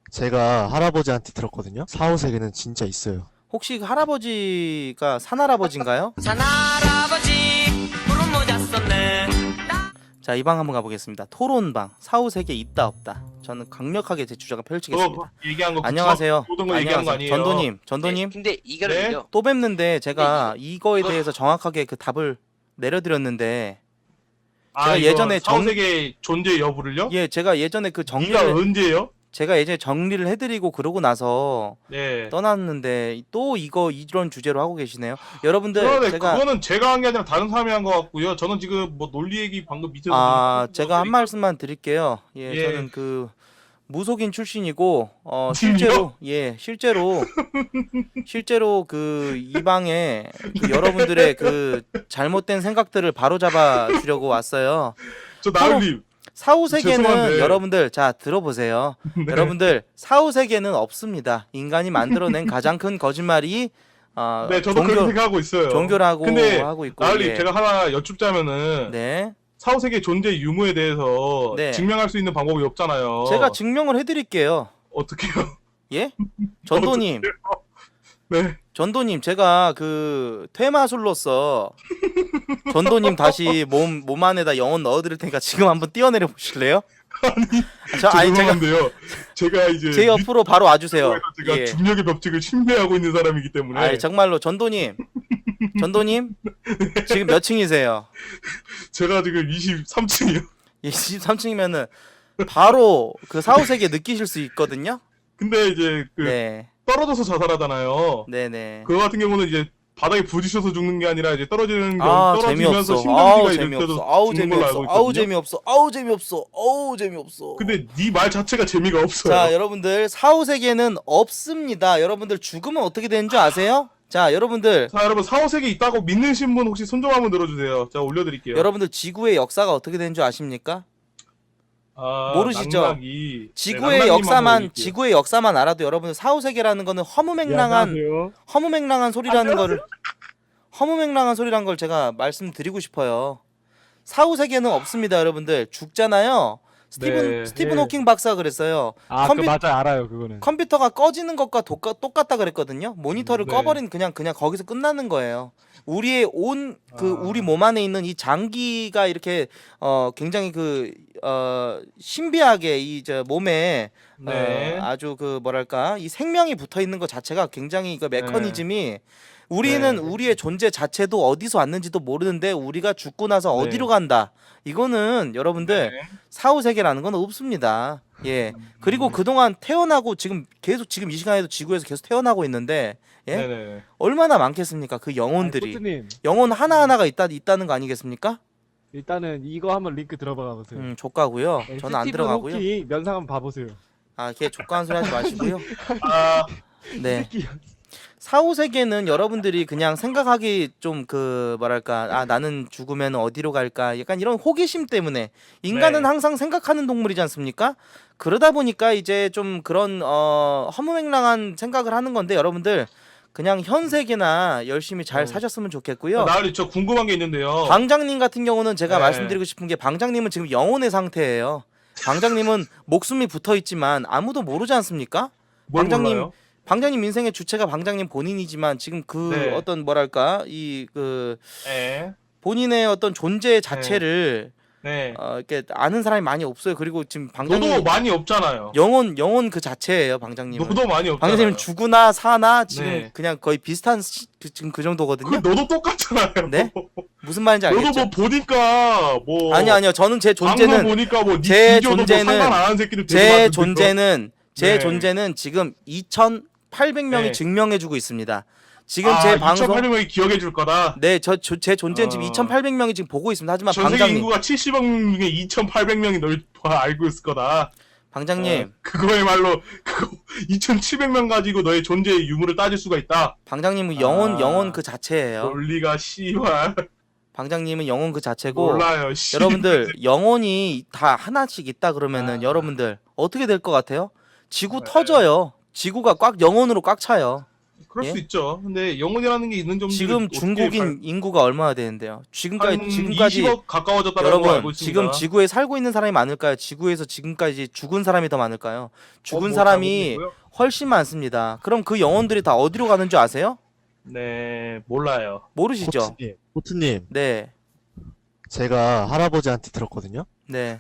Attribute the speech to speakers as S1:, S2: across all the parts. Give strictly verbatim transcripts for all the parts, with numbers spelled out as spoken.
S1: 제가 할아버지한테 들었거든요. 사후세계는 진짜 있어요.
S2: 혹시 그 할아버지가 산할아버지인가요?
S3: 산할아버지 푸른 모자 썼네.
S2: 자, 이 방 한번 가보겠습니다. 토론방. 사후세계 있다 없다. 저는 강력하게 제 주장을 펼치겠습니다.
S4: 너 얘기한 거
S2: 안녕하세요.
S4: 모든 거 얘기한 거
S2: 안녕하세요.
S4: 아니에요?
S2: 전도님, 전도님.
S5: 근데 이거는요.
S4: 네?
S2: 또 뵙는데 제가 이거에 대해서 정확하게 그 답을 내려드렸는데
S4: 아,
S2: 제가
S4: 이거
S2: 예전에 정-
S4: 사후세계 존재 여부를요?
S2: 예, 제가 예전에 그
S4: 네가
S2: 정리를
S4: 언제요?
S2: 제가 예전에 정리를 해드리고 그러고 나서
S4: 네.
S2: 떠났는데 또 이거 이런 주제로 하고 계시네요. 여러분들
S4: 그러네,
S2: 제가
S4: 그거는 제가 한 게 아니라 다른 사람이 한 것 같고요. 저는 지금 뭐 논리 얘기 방금 밑에서
S2: 아
S4: 좀
S2: 제가 한
S4: 했으니까.
S2: 말씀만 드릴게요. 예,
S4: 예.
S2: 저는 그 무속인 출신이고 어
S4: 무속인이요?
S2: 실제로 예 실제로 실제로 그 이 방에 그 여러분들의 그 잘못된 생각들을 바로잡아 주려고 왔어요.
S4: 저 나을님
S2: 사후 세계는
S4: 죄송한데.
S2: 여러분들 자 들어보세요.
S4: 네.
S2: 여러분들 사후 세계는 없습니다. 인간이 만들어낸 가장 큰 거짓말이 어,
S4: 네, 저도 그렇게
S2: 종교
S4: 생각하고 있어요.
S2: 종교라고
S4: 근데
S2: 하고 있고
S4: 나을님
S2: 예.
S4: 제가 하나 여쭙자면은
S2: 네
S4: 사후세계 존재 유무에 대해서
S2: 네.
S4: 증명할 수 있는 방법이 없잖아요.
S2: 제가 증명을 해드릴게요.
S4: 어떻게요?
S2: 예 전도님
S4: 네.
S2: 전도님 제가 그 퇴마술로서 전도님 다시 몸 몸 안에다 영혼 넣어드릴 테니까 지금 한번 뛰어내려 보실래요? 아니 저 아니 제가
S4: 죄송한데요. 제가 이제
S2: 제 옆으로 바로 와주세요.
S4: 유튜브에서 제가
S2: 예.
S4: 중력의 법칙을 신뢰하고 있는 사람이기 때문에
S2: 아니 정말로 전도님 전도님 지금 몇 층이세요?
S4: 제가 지금 이십삼 층이요.
S2: 이십삼 층이면은 바로 그 사후세계 느끼실 수 있거든요.
S4: 근데 이제 그
S2: 네,
S4: 떨어져서 자살하잖아요.
S2: 네, 네.
S4: 그거 같은 경우는 이제 바닥에 부딪혀서 죽는 게 아니라 이제 떨어지는 경우
S2: 아
S4: 떨어지면서
S2: 재미없어.
S4: 심장기가
S2: 아우
S4: 이렇게
S2: 재미없어.
S4: 돼서
S2: 아우
S4: 죽는 걸로 알고
S2: 재미없어.
S4: 있거든요.
S2: 아우 재미없어. 아우 재미없어. 아우 재미없어.
S4: 근데 네 말 자체가 재미가 없어요.
S2: 자, 여러분들 사후세계는 없습니다. 여러분들 죽으면 어떻게 되는 줄 아세요? 자, 여러분들
S4: 자, 여러분 사후세계 있다고 믿는 분 혹시 손 좀 한번 들어주세요. 제가 올려드릴게요.
S2: 여러분들 지구의 역사가 어떻게 되는 줄 아십니까?
S4: 아,
S2: 모르시죠?
S4: 낙낙이.
S2: 지구의
S4: 네, 낙낙님
S2: 역사만
S4: 한번 올릴게요.
S2: 지구의 역사만 알아도 여러분들 사후세계라는 거는 허무맹랑한 허무맹랑한 소리라는 거를 허무맹랑한 소리란 걸 제가 말씀드리고 싶어요. 사후세계는 없습니다, 여러분들. 죽잖아요. 스티븐
S4: 네,
S2: 스티븐
S6: 네.
S2: 호킹 박사가 그랬어요.
S6: 아,
S2: 컴퓨-
S6: 그 맞아요, 알아요, 그거는.
S2: 컴퓨터가 꺼지는 것과 똑같, 똑같다 그랬거든요. 모니터를
S4: 네.
S2: 꺼버린 그냥 그냥 거기서 끝나는 거예요. 우리의 온 그
S4: 아.
S2: 우리 몸 안에 있는 이 장기가 이렇게 어 굉장히 그 어 신비하게 이 저 몸에
S4: 네.
S2: 어, 아주 그 뭐랄까 이 생명이 붙어 있는 것 자체가 굉장히 그 메커니즘이 우리는
S4: 네.
S2: 우리의 존재 자체도 어디서 왔는지도 모르는데 우리가 죽고 나서
S4: 네.
S2: 어디로 간다. 이거는 여러분들
S4: 네.
S2: 사후 세계라는 건 없습니다. 예.
S4: 음.
S2: 그리고 그동안 태어나고 지금 계속 지금 이 시간에도 지구에서 계속 태어나고 있는데 예?
S4: 네네.
S2: 얼마나 많겠습니까? 그 영혼들이.
S6: 코트님,
S2: 영혼 하나하나가 있다 있다는 거 아니겠습니까?
S6: 일단은 이거 한번 링크 들어봐 보세요.
S2: 음, 족가고요.
S6: 네,
S2: 저는 안
S6: 스티븐
S2: 들어가고요.
S6: 호키 면상 한번 봐보세요.
S2: 아, 걔 족가한 소리 하지 마시고요.
S4: 아,
S2: 네.
S6: 새끼.
S2: 사후 세계는 여러분들이 그냥 생각하기 좀 그 뭐랄까 아 나는 죽으면 어디로 갈까 약간 이런 호기심 때문에 인간은
S4: 네.
S2: 항상 생각하는 동물이지 않습니까? 그러다 보니까 이제 좀 그런 어 허무맹랑한 생각을 하는 건데 여러분들 그냥 현 세계나 열심히 잘
S4: 어.
S2: 사셨으면 좋겠고요.
S4: 나을이 저 궁금한 게 있는데요.
S2: 방장님 같은 경우는 제가
S4: 네.
S2: 말씀드리고 싶은 게 방장님은 지금 영혼의 상태예요. 방장님은 목숨이 붙어 있지만 아무도 모르지 않습니까?
S4: 뭘
S2: 방장님
S4: 몰라요?
S2: 방장님 인생의 주체가 방장님 본인이지만 지금 그
S4: 네.
S2: 어떤 뭐랄까 이 그
S4: 네.
S2: 본인의 어떤 존재 자체를
S4: 네.
S2: 어, 이렇게 아는 사람이 많이 없어요. 그리고 지금 방장님
S4: 너도 많이 없잖아요.
S2: 영혼 영혼 그 자체예요. 방장님은.
S4: 너도 많이 없잖아요.
S2: 방장님은 죽으나 사나 지금
S4: 네.
S2: 그냥 거의 비슷한 시, 그, 지금 그 정도거든요.
S4: 그 너도 똑같잖아요.
S2: 네? 무슨 말인지
S4: 너도
S2: 알겠죠?
S4: 뭐 보니까 뭐
S2: 아니 아니요. 저는 제
S4: 방송
S2: 존재는
S4: 보니까 뭐네
S2: 제
S4: 뒤져도
S2: 존재는-
S4: 뭐 상관 안 하는 새끼들 되게
S2: 제
S4: 많던데,
S2: 존재는 제
S4: 네.
S2: 존재는 지금 이천팔백 명이
S4: 네.
S2: 증명해주고 있습니다. 지금
S4: 아,
S2: 제 방송
S4: 이천팔백 명이 기억해 줄 거다.
S2: 네, 저 제 존재는 지금
S4: 어.
S2: 이천팔백 명이 지금 보고 있습니다. 하지만
S4: 전 세계
S2: 방장님,
S4: 인구가 칠십억 중에 이천팔백 명이 널 다 알고 있을 거다.
S2: 방장님,
S4: 어, 그거야말로 그거 이천칠백 명 가지고 너의 존재의 유무를 따질 수가 있다.
S2: 방장님은 영혼
S4: 아.
S2: 영혼 그 자체예요.
S4: 논리가 씨발
S2: 방장님은 영혼 그 자체고
S4: 몰라요. 씨.
S2: 여러분들 영혼이 다 하나씩 있다 그러면은
S4: 아.
S2: 여러분들 어떻게 될 것 같아요? 지구
S4: 네.
S2: 터져요. 지구가 꽉 영혼으로 꽉 차요.
S4: 그럴
S2: 예?
S4: 수 있죠. 근데 영혼이라는 게 있는 점들이
S2: 지금
S4: 어떻게
S2: 중국인
S4: 갈-
S2: 인구가 얼마나 되는데요? 지금까지
S4: 한
S2: 지금까지
S4: 이십억 가까워졌다는 걸로 알고
S2: 여러분
S4: 있습니다.
S2: 지금 지구에 살고 있는 사람이 많을까요? 지구에서 지금까지 죽은 사람이 더 많을까요? 죽은
S4: 어, 뭐
S2: 사람이
S4: 잘못됐고요?
S2: 훨씬 많습니다. 그럼 그 영혼들이 다 어디로 가는 줄 아세요?
S4: 네, 몰라요.
S2: 모르시죠?
S1: 코트님, 코트님,
S2: 네,
S1: 제가 할아버지한테 들었거든요.
S2: 네.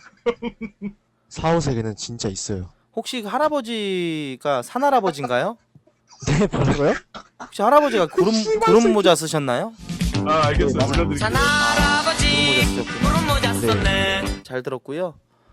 S1: 사, 오 세계는 진짜 있어요.
S2: 혹시 그 할아버지가 산할아버지인가요?
S1: 네, 뭐라고요?
S2: 혹시 할아버지가 구름 구름 모자 쓰셨나요?
S4: 아, 알겠어요.
S1: 맞아요.
S4: 올려드릴게요.
S3: 산
S2: 구름
S3: 할아버지
S2: 모자 쓰셨군요.
S3: 구름 모자 썼네.
S2: 잘 들었고요.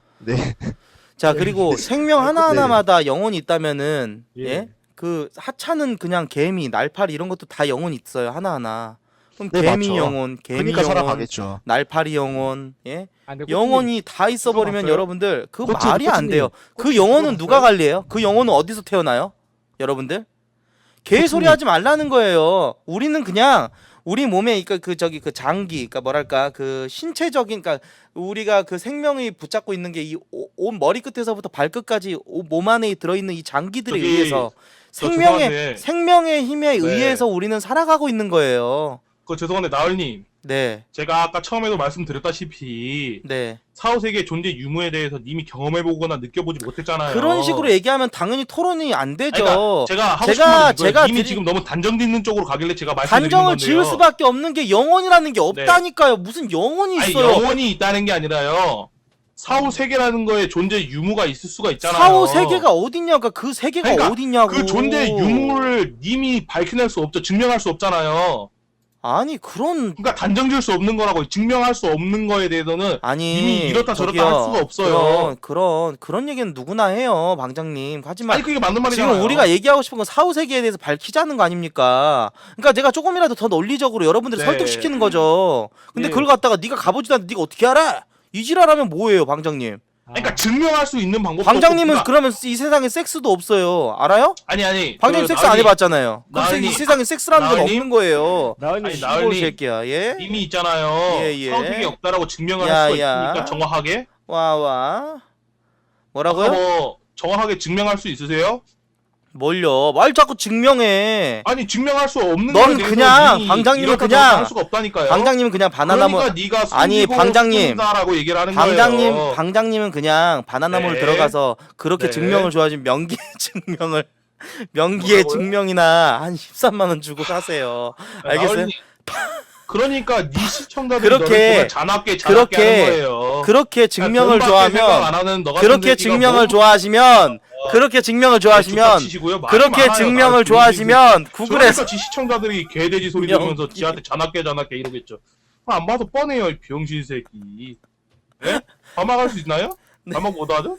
S1: 네.
S2: 자 그리고 생명 하나 하나마다 영혼이 있다면은
S6: 예.
S2: 예? 그 하찮은 그냥 개미, 날파리 이런 것도 다 영혼이 있어요 하나 하나. 그럼
S1: 네,
S2: 개미
S1: 맞죠.
S2: 영혼, 개미
S1: 그러니까
S2: 영혼,
S1: 살아가겠죠.
S2: 날파리 영혼, 예?
S6: 아, 근데
S2: 영혼이 다 있어버리면
S6: 봤어요?
S2: 여러분들 그
S1: 코치,
S2: 말이 안
S1: 코치님.
S2: 돼요. 그
S1: 코치
S2: 영혼은
S1: 그거
S2: 누가
S1: 봤어요?
S2: 관리해요? 그 영혼은 어디서 태어나요? 여러분들 개소리
S1: 코치님.
S2: 하지 말라는 거예요. 우리는 그냥 우리 몸에 그러니까 그 저기 그 장기, 그러니까 뭐랄까 그 신체적인, 그러니까 우리가 그 생명이 붙잡고 있는 게 이 온 머리 끝에서부터 발끝까지 오- 몸 안에 들어있는 이 장기들에
S4: 저기,
S2: 의해서
S4: 저
S2: 생명의
S4: 죄송한데.
S2: 생명의 힘에
S4: 네.
S2: 의해서 우리는 살아가고 있는 거예요.
S4: 그 죄송한데 나을님,
S2: 네,
S4: 제가 아까 처음에도 말씀드렸다시피
S2: 네.
S4: 사후 세계 존재 유무에 대해서 님이 경험해보거나 느껴보지 못했잖아요.
S2: 그런 식으로 얘기하면 당연히 토론이 안 되죠.
S4: 그러니까 제가 하고
S2: 제가-
S4: 싶은 건 이거예요.
S2: 제가
S4: 님이
S2: 드리-
S4: 지금 너무 단정 짓는 쪽으로 가길래 제가 말씀드리는
S2: 단정을
S4: 건데요.
S2: 지을 수밖에 없는 게 영혼이라는 게 없다니까요. 무슨 영혼이
S4: 아니,
S2: 있어요.
S4: 영혼이 있다는 게 아니라요. 사후 세계라는 거에 존재 유무가 있을 수가 있잖아요.
S2: 사후 세계가 어딨냐고. 그 세계가
S4: 그러니까
S2: 어딨냐고.
S4: 그 존재 유무를 님이 밝혀낼 수 없죠. 증명할 수 없잖아요.
S2: 아니 그런
S4: 그러니까 단정 지을 수 없는 거라고. 증명할 수 없는 거에 대해서는
S2: 아니
S4: 이미 이렇다 저렇다
S2: 저기요,
S4: 할 수가 없어요.
S2: 그런 그런 그런 얘기는 누구나 해요, 방장님. 하지만
S4: 아니 그게 맞는 말이잖아요.
S2: 지금 우리가 얘기하고 싶은 건 사후 세계에 대해서 밝히자는 거 아닙니까? 그러니까 내가 조금이라도 더 논리적으로 여러분들을
S4: 네.
S2: 설득시키는 거죠. 근데
S4: 예.
S2: 그걸 갖다가 네가 가보지도 않는데 네가 어떻게 알아? 이 지랄하면 뭐예요, 방장님?
S4: 그러니까 증명할 수 있는 방법도
S2: 방장님은
S4: 없고,
S2: 그러면 이 세상에 섹스도 없어요. 알아요?
S4: 아니 아니
S2: 방장님
S4: 그
S2: 섹스 안
S4: 나은이-
S2: 해봤잖아요. 그럼
S4: 나은이-
S2: 이 세상에 섹스라는 건
S4: 나은이-
S2: 없는 거예요.
S6: 나은이
S4: 아니,
S6: 씨,
S4: 나은이-
S2: 시골 새끼야. 예?
S4: 님이 있잖아요.
S2: 예, 예.
S4: 사후 세계 없다라고 증명을
S2: 야,
S4: 할 수가
S2: 야.
S4: 있으니까 정확하게.
S2: 와 와. 뭐라고요?
S4: 아까 뭐 정확하게 증명할 수 있으세요?
S2: 뭘요? 말 자꾸 증명해.
S4: 아니 증명할 수 없는
S2: 넌
S4: 거에 대해서
S2: 그냥
S4: 님이
S2: 방장님은
S4: 이렇다
S2: 그냥-
S4: 저렇다 할 수가 없다니까요.
S2: 방장님은 그냥 바나나물
S4: 그러니까 네가
S2: 아니,
S4: 숨기고
S2: 방장님.
S4: 숨긴다라고 얘기를 하는
S2: 방장님
S4: 거예요.
S2: 방장님은 그냥 바나나물
S4: 네.
S2: 들어가서 그렇게
S4: 네.
S2: 증명을 좋아하시면 명기의 증명을 명기의
S4: 뭐라고요?
S2: 증명이나 한 십삼만 원 주고 사세요. 알겠어요?
S4: 나은이, 그러니까 네 시청자들이
S2: 그렇게-
S4: 너를 보면 잔악게 잔악게
S2: 그렇게-
S4: 하는 거예요.
S2: 그렇게 증명을
S4: 돈밖에 생각
S2: 좋아하면
S4: 안 하는 너 같은
S2: 그렇게
S4: 새끼가
S2: 증명을
S4: 뭐-
S2: 좋아하시면 그렇게 증명을 좋아하시면
S4: 치시고요. 말이
S2: 그렇게
S4: 많아요.
S2: 증명을
S4: 아,
S2: 좋아하시면 구글에서
S4: 그러니까 지 시청자들이 개돼지 소리
S2: 명-
S4: 들으면서 지한테 잔악게 잔악게 이러겠죠. 아, 안 봐도 뻔해요, 이 병신 새끼. 예? 반박할 수 있나요? 반박 못하죠?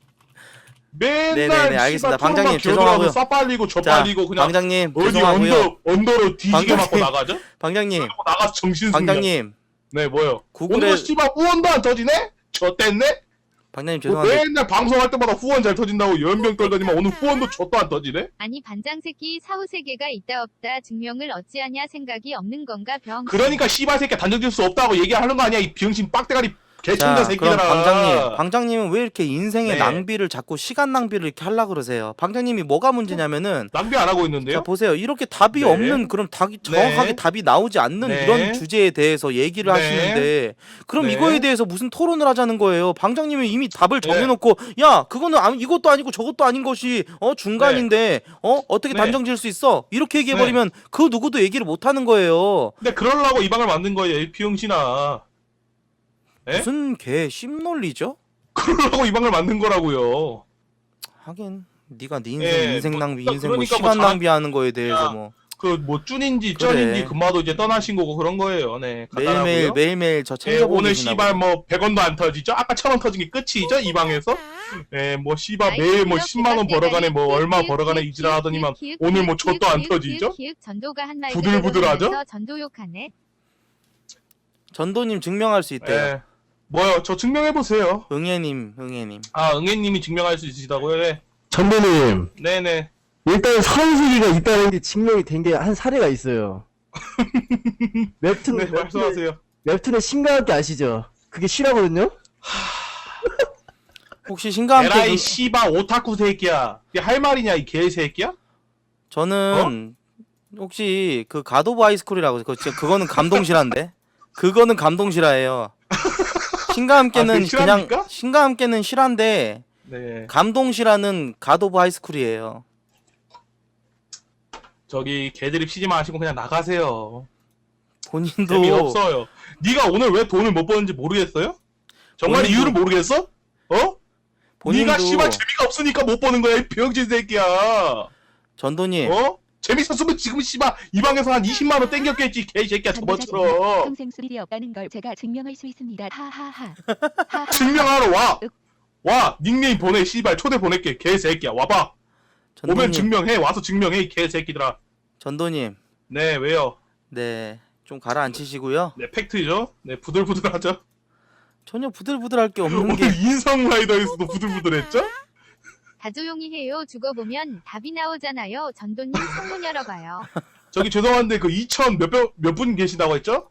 S4: 맨날
S2: 네. 네네네, 알겠습니다. 방장님, 죄송하고요.
S4: 싸 빨리고 저
S2: 자,
S4: 빨리고 그냥
S2: 방장님
S4: 어디
S2: 죄송하고요.
S4: 언더 언더로 뒤지게
S2: 방장님.
S4: 맞고 나가죠?
S2: 방장님
S4: 그리고 나가서 정신 승리.
S2: 방장님
S4: 네 뭐요?
S2: 구글에
S4: 오늘 씨발 후원도 안 터지네? 저 뗐네?
S2: 방장님
S4: 뭐
S2: 죄송한데
S4: 맨날 방송할 때마다 후원 잘 터진다고 연병 떨더니만 오늘 후원도 젖도 안 터지네?
S5: 아니 반장 새끼 사후 세계가 있다 없다 증명을 어찌하냐 생각이 없는 건가 병.
S4: 그러니까 씨발 새끼 단정질 수 없다고 얘기하는 거 아니야 이 병신 빡대가리 개천자
S2: 자,
S4: 새끼들아.
S2: 그럼 방장님, 방장님은 왜 이렇게 인생의
S4: 네.
S2: 낭비를 자꾸 시간 낭비를 이렇게 하려고 그러세요? 방장님이 뭐가 문제냐면은
S4: 낭비 안 하고
S2: 자
S4: 있는데요?
S2: 보세요. 이렇게 답이
S4: 네.
S2: 없는 그럼 답이 정확하게
S4: 네.
S2: 답이 나오지 않는
S4: 네.
S2: 이런 주제에 대해서 얘기를
S4: 네.
S2: 하시는데 그럼
S4: 네.
S2: 이거에 대해서 무슨 토론을 하자는 거예요? 방장님이 이미 답을
S4: 네.
S2: 정해놓고 야 그거는 아, 이것도 아니고 저것도 아닌 것이 어 중간인데 어 어떻게
S4: 네.
S2: 단정 지을 수 있어? 이렇게 얘기해 버리면 그 누구도 얘기를 못 하는 거예요.
S4: 근데 그러려고 이 방을 만든 거예요 이 병신아. 에?
S2: 무슨 개 씹논리죠?
S4: 그러려고 이 방을 만든 거라고요.
S2: 하긴 네가 네 인생
S4: 예,
S2: 인생
S4: 뭐,
S2: 낭비
S4: 그러니까
S2: 인생 뭐
S4: 뭐
S2: 시간
S4: 자-
S2: 낭비하는 거에 대해서
S4: 야,
S2: 뭐
S4: 그 뭐 쭈인지
S2: 그래.
S4: 쩐인지 금마도 이제 떠나신 거고 그런 거예요. 네.
S2: 매일매일
S4: 간단하고요.
S2: 매일매일 저
S4: 예,
S2: 챙겨보고
S4: 오늘
S2: 계시나
S4: 씨발
S2: 보네.
S4: 뭐 백 원도 안 터지죠? 아까 천 원 터진 게 끝이죠? 이 방에서? 예, 뭐 씨발 매일 뭐 십만 원 벌어가네 뭐 얼마 벌어가네 이지라 하더니만 오늘 뭐 젖도 안 터지죠?
S5: 전도가 한 말
S4: 부들부들하죠?
S5: 전도 욕하네.
S2: 전도님 증명할 수 있대요.
S4: 예. 뭐요? 저 증명해보세요.
S2: 응애님 응애님.
S4: 아, 응애님이 증명할 수 있으시다고요? 네.
S7: 전도님,
S4: 네네.
S7: 일단 사후세계가 있다는 게 증명이 된 게 한 사례가 있어요. 웹툰,
S4: 네,
S7: 웹툰의,
S4: 말씀하세요.
S7: 웹툰의 신가학기 아시죠? 그게 실화거든요?
S2: 혹시 신과 함께
S4: 에라이
S2: 그-
S4: 씨발 오타쿠 새끼야. 이게 할 말이냐 이 개새끼야?
S2: 저는 혹시 그 갓 오브 하이스쿨이라고 그거 진짜 그거는 감동실화인데. 그거는 감동실화예요. 신과 함께는
S4: 아, 그게
S2: 그냥
S4: 실화입니까?
S2: 신과 함께는 실화인데
S4: 네.
S2: 감동실화는 갓 오브 하이스쿨이에요.
S4: 저기 개드립 치지 마시고 그냥 나가세요.
S2: 본인도
S4: 재미없어요. 네가 오늘 왜 돈을 못 버는지 모르겠어요? 정말
S2: 본인도-
S4: 이유를 모르겠어? 어?
S2: 본인도
S4: 네가 씨발 재미가 없으니까 못 버는 거야 이 병신 새끼야.
S2: 전도님
S4: 어? 재밌었으면 지금 씨발 이 방에서 한 이십만 원 땡겼겠지 개새끼야 저번처럼.
S8: 평생 수일이 없다는 걸 제가 증명할 수 있습니다. 하하하. 하하.
S4: 증명하러 와. 와 닉네임 보내 씨발 초대 보낼게 개새끼야 와봐. 오면
S2: 전도님
S4: 증명해 와서 증명해 이 개새끼들아.
S2: 전도님
S4: 네 왜요?
S2: 네 좀 가라앉히시고요.
S4: 네 팩트죠. 네 부들부들하죠.
S2: 전혀 부들부들할 게 없는
S4: 오늘
S2: 게
S4: 인성 라이더에서도 부들부들했죠?
S5: 다 조용히 해요. 죽어보면 답이 나오잖아요. 전도님 창문 열어봐요.
S4: 저기 죄송한데 그 이천 몇몇 분 계시다고 했죠?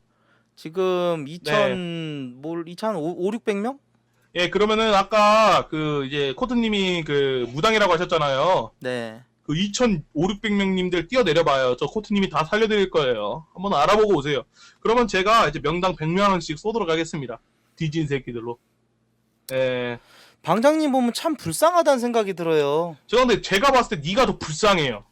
S2: 지금
S4: 네.
S2: 이천 뭘 이천 오륙백 명?
S4: 예 그러면은 아까 그 이제 코트님이 그 무당이라고 하셨잖아요.
S2: 네.
S4: 그 이천오백육백 명님들 뛰어내려봐요. 저 코트님이 다 살려드릴 거예요. 한번 알아보고 오세요. 그러면 제가 이제 명당 백만 원씩 쏘도록 하겠습니다. 뒤진 새끼들로. 예.
S2: 방장님 보면 참 불쌍하다는 생각이 들어요.
S4: 저 근데 제가 봤을 때 네가 더 불쌍해요.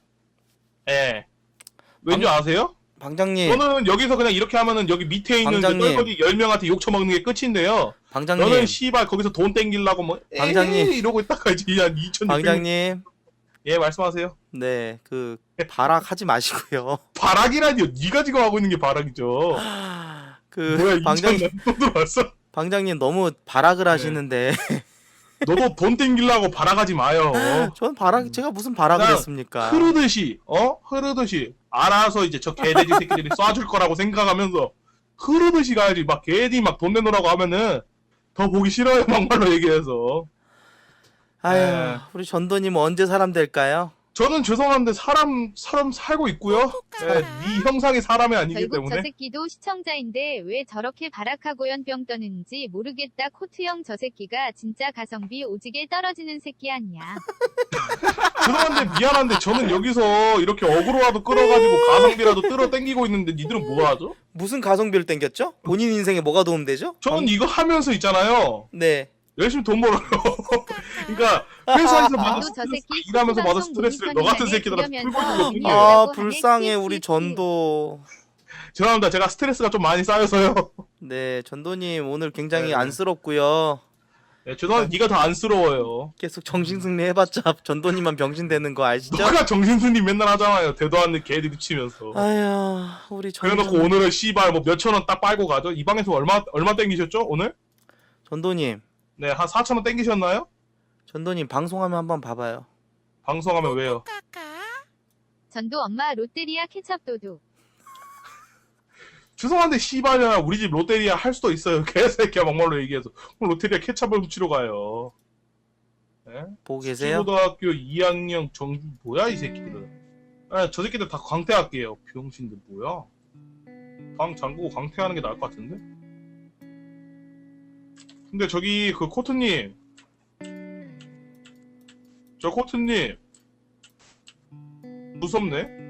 S4: 예. 왠지
S2: 방-
S4: 아세요?
S2: 방장님,
S4: 저는 여기서 그냥 이렇게 하면은 여기 밑에 있는 그
S2: 방장님.
S4: 똘똘이 열 명한테 욕 처먹는 게 끝인데요.
S2: 방장님,
S4: 너는 씨발 거기서 돈 땡기려고 뭐
S2: 방장님.
S4: 에이 이러고 있다가 이제 한 이천육백 명.
S2: 방장님,
S4: 예 말씀하세요.
S2: 네, 그 발악하지 마시고요.
S4: 바락이라니요. 네가 지금 하고 있는 게 바락이죠.
S2: 그
S4: 뭐야
S2: 방장님,
S4: 이천 또 들어왔어?
S2: 방장님 너무 발악을 하시는데
S4: 너도 돈 땡기려고 바락하지 마요.
S2: 전 발악 제가 무슨 발악을
S4: 그냥
S2: 했습니까?
S4: 흐르듯이 어 흐르듯이 알아서 이제 저 개돼지 새끼들이 쏴줄 거라고 생각하면서 흐르듯이 가야지. 막 개디 막 돈 내놓으라고 하면은 더 보기 싫어요. 막말로 얘기해서.
S2: 아유,
S4: 네.
S2: 우리 전도님 언제 사람 될까요?
S4: 저는 죄송한데 사람 사람 살고 있고요. 네, 네 형상이 사람이 아니기
S5: 결국 저
S4: 때문에.
S5: 새끼도 시청자인데 왜 저렇게 발악하고 연병 떠는지 모르겠다. 코트형 저 새끼가 진짜 가성비 오지게 떨어지는 새끼 아니야.
S4: 죄송한데 미안한데 저는 여기서 이렇게 어그로라도 끌어가지고 가성비라도 끌어 땡기고 있는데 니들은 뭐 하죠?
S2: 무슨 가성비를 땡겼죠? 본인 인생에 뭐가 도움되죠?
S4: 저는 이거 하면서 있잖아요.
S2: 네.
S4: 열심히 돈 벌어요. 그러니까 회사에서 받은
S5: 전도 저
S4: 스트레스,
S5: 새끼
S4: 일하면서 받은
S5: 방송
S4: 스트레스를 너 같은
S5: 모니터링하게
S4: 새끼들한테 풀고
S5: 그러면서
S4: 주는 게.
S5: 아,
S2: 아,
S5: 하네.
S2: 불쌍해 우리
S5: 찌찌찌.
S2: 전도.
S4: 죄송합니다. 제가 스트레스가 좀 많이 쌓여서요.
S2: 네, 전도님 오늘 굉장히
S4: 네.
S2: 안쓰럽고요.
S4: 네, 죄송한데 네가 더 안쓰러워요.
S2: 계속 정신승리 해봤자 전도님만 병신 되는 거 아시죠?
S4: 너가 정신승리 맨날 하잖아요. 대도 않는 개들이 치면서.
S2: 아휴, 우리
S4: 그래놓고
S2: 전도
S4: 오늘은 씨발 뭐 몇천 원 딱 빨고 가죠. 이 방에서 얼마 얼마 땡기셨죠 오늘?
S2: 전도님,
S4: 네, 한 사천 원 땡기셨나요?
S2: 전도님 방송하면 한번 봐봐요.
S4: 방송하면 왜요?
S5: 전도 엄마 롯데리아 케첩 도둑.
S4: 죄송한데 씨발이야 우리 집 롯데리아 할 수도 있어요. 개새끼야 막말로 얘기해서 그럼 롯데리아 케찹을 훔치러 가요. 네?
S2: 보고 계세요?
S4: 고등학교 이 학년 정주 뭐야 이 새끼들은. 아, 저 새끼들 다 광태할게요. 병신들 뭐야? 방 잠그고 광태하는 게 나을 것 같은데? 근데 저기 그 코트님, 저 코트님 무섭네.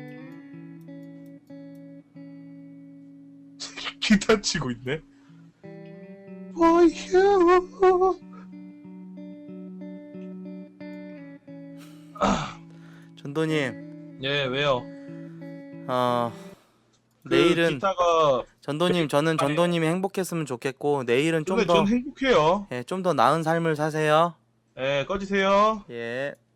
S4: 기타 치고 있네. For you.
S2: 전도님,
S4: 예, 왜요?
S2: 어
S4: 그
S2: 내일은
S4: 기타가
S2: 전도님 저는 전도님이 행복했으면 좋겠고 내일은
S4: 근데
S2: 좀 더
S4: 전 행복해요.
S2: 예, 좀 더 나은 삶을 사세요.
S4: 예, 꺼지세요.
S2: 예.